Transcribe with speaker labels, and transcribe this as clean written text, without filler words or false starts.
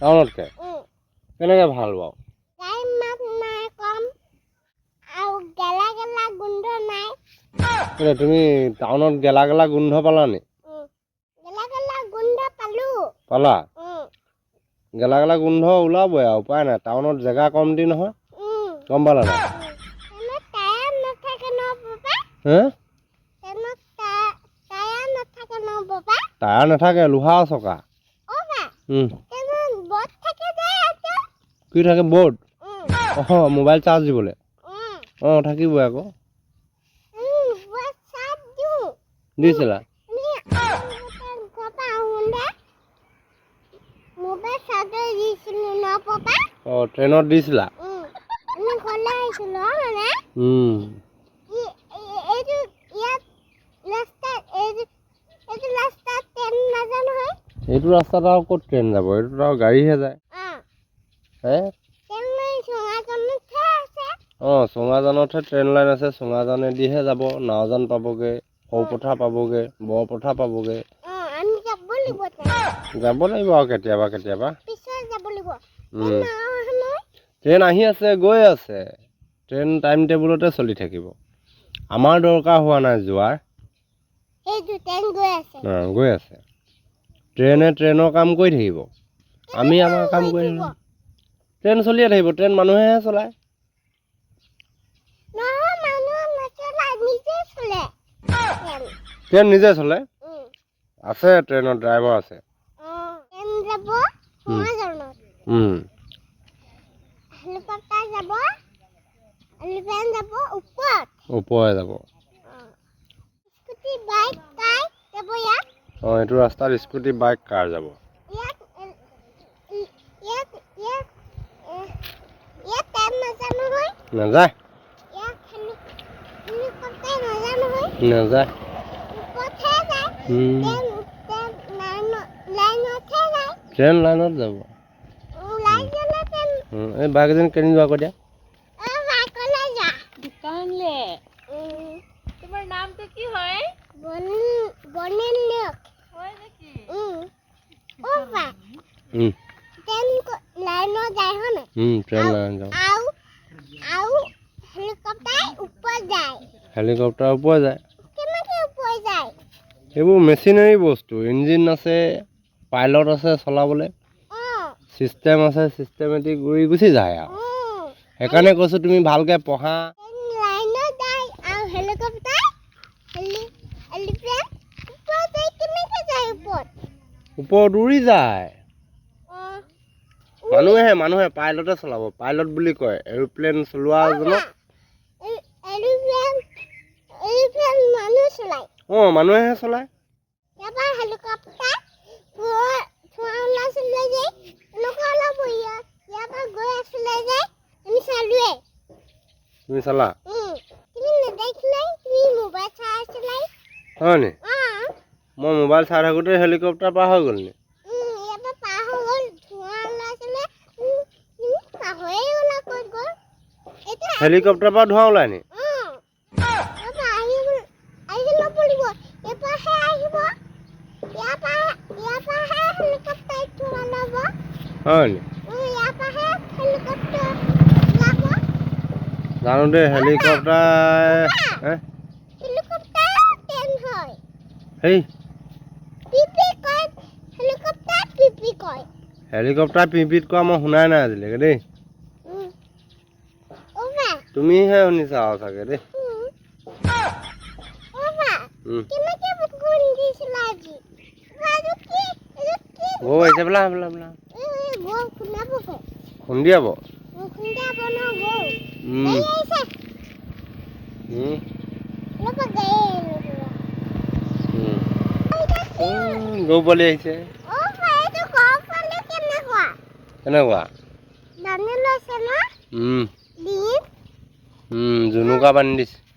Speaker 1: টাউনতকৈ কেনেকৈ ভাল বাৰু তুমি টাউনত গেলা গেলা গোন্ধ পালা নি পালা গেলা গেলা গোন্ধ ওলাবই আৰু উপায় নাই টাউনত জেগা কমটি নহয় গম পালা নাই টায়াৰ নাথাকে লোহা চকা কি থাকে বৰ্ড মোবাইল চাৰ্জ দিবলৈ থাকিবই আকৌ দিছিলা ট্ৰেইনত দিছিলা এইটো ৰাস্তাত আৰু ক'ত ট্ৰেইন যাব এইটোত আৰু গাড়ীহে যায় চুঙাজানতহে ট্ৰেইন লাইন আছে চুঙাজানেদিহে যাব নাওজান পাবগৈ সৰুপথাৰ পাবগৈ বৰপথাৰ পাবগৈ যাব লাগিব আৰু কেতিয়াবা কেতিয়াবা ট্ৰেইন আহি আছে গৈ আছে ট্ৰেইন টাইম টেবুলতে চলি থাকিব আমাৰ দৰকাৰ হোৱা নাই যোৱাৰ গৈ আছে ট্ৰেইনে ট্ৰেইনৰ কাম কৰি থাকিব আমি আমাৰ কাম কৰি থাকিব ট্ৰেইন চলিয়ে থাকিব ট্ৰেইন মানুহেহে চলায় ট্ৰেইন নিজে চলে আছে ট্ৰেইনৰ ড্ৰাইভাৰ আছে ওপৰে যাব এইটো ৰাস্তাত স্কুটি বাইক কাৰ যাব নাযায় নাযায় ট্ৰেইন লাইনত যাব এই বাইক এজনী কেনি যোৱা আকৌ দিয়া
Speaker 2: তোমাৰ নামটো কি হয়
Speaker 1: হেলিকপ্টাৰ ওপৰ যায় এইবোৰ মেচিনাৰী বস্তু ইঞ্জিন আছে পাইলট আছে চলাবলৈ চিষ্টেম আছে চিষ্টেমেটিক উৰি গুচি যায় আৰু সেইকাৰণে কৈছোঁ তুমি ভালকৈ পঢ়া ওপৰত উৰি যায় মানুহে পাইলটে চলাব পাইলট বুলি কয় এৰোপ্লেন চলোৱাজনক মানুহেহে চলায় তুমি চালা হয় নি মই মোবাইল চাই থাকোঁতে হেলিকপ্টাৰ পাৰ হৈ গ'ল নি হেলিকপ্টাৰৰ পৰা ধোঁৱা ওলাই নি হয় নি জানো দেই হেলিকপ্টাৰ হেলিকপ্টাৰ পিপিত কোৱা মই শুনাই নাই আজিলৈকে দেই তুমিহে শুনিছা আৰু চাগে দেই গৌ আহিছে বোলা খুন্দিয়াব গৌ পোৱালি আহিছে কেনেকুৱা জুনুকা বান্ধি দিছে